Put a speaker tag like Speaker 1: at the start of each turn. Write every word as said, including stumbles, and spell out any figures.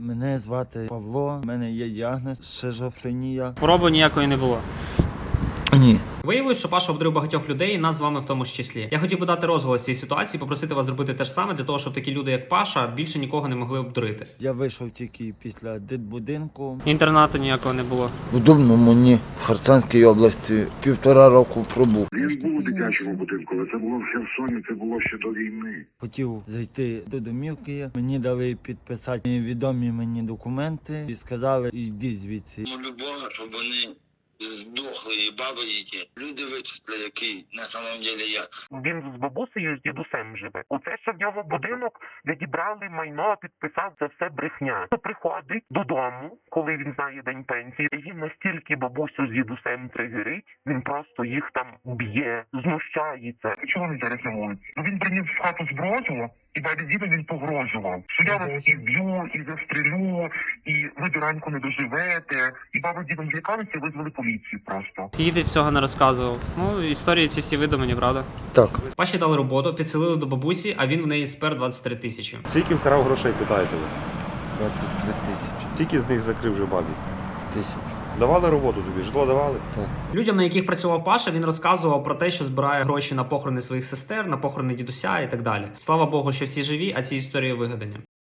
Speaker 1: Мене звати Павло, в мене є діагноз шизофренія.
Speaker 2: Хвороби ніякої не було.
Speaker 1: Ні.
Speaker 2: Виявилось, що Паша обдурив багатьох людей, і нас з вами в тому ж числі. Я хотів би дати розголос цій ситуації, попросити вас зробити те ж саме, для того, щоб такі люди, як Паша, більше нікого не могли обдурити.
Speaker 1: Я вийшов тільки після дитбудинку.
Speaker 2: Інтернату ніякого не було.
Speaker 1: У Дубному, ні, в Херсонській області півтора року пробув.
Speaker 3: Він був у дитячому будинку, але це було в Херсоні, це було ще до війни.
Speaker 1: Хотів зайти до домівки, мені дали підписати відомі мені документи і сказали, йди звідси.
Speaker 4: Любого, щоб вони здохли і баби які. Люди вичисли, який на самом деле я.
Speaker 5: Він з бабусею, з дідусем живе. Оце, що в нього будинок, відібрали майно, підписав, це все брехня. Приходить додому, коли він знає день пенсії, і він настільки бабусю з дідусем тригерить, він просто їх там б'є, знущається. Чого він зараз на вулиці? Ну він приніс в хату зброю, і далі відео він погрожував, що я вас і б'ю, і застрелю, і ви до ранку не доживете. І баба з дідом злякалися і визвали поліцію просто.
Speaker 2: Скільки всього не розказував. Ну, історії ці всі видумані, правда?
Speaker 1: Так.
Speaker 2: Паші дали роботу, підселили до бабусі, а він в неї спер двадцять три тисячі.
Speaker 6: Скільки вкрав грошей, питаєте ви?
Speaker 1: двадцять три тисячі.
Speaker 6: Скільки з них закрив вже бабі?
Speaker 1: Тисяч.
Speaker 6: Давали роботу тобі, житло давали?
Speaker 1: Так.
Speaker 2: Людям, на яких працював Паша, він розказував про те, що збирає гроші на похорони своїх сестер, на похорони дідуся і так далі. Слава Богу, що всі живі, а ці історії вигадані.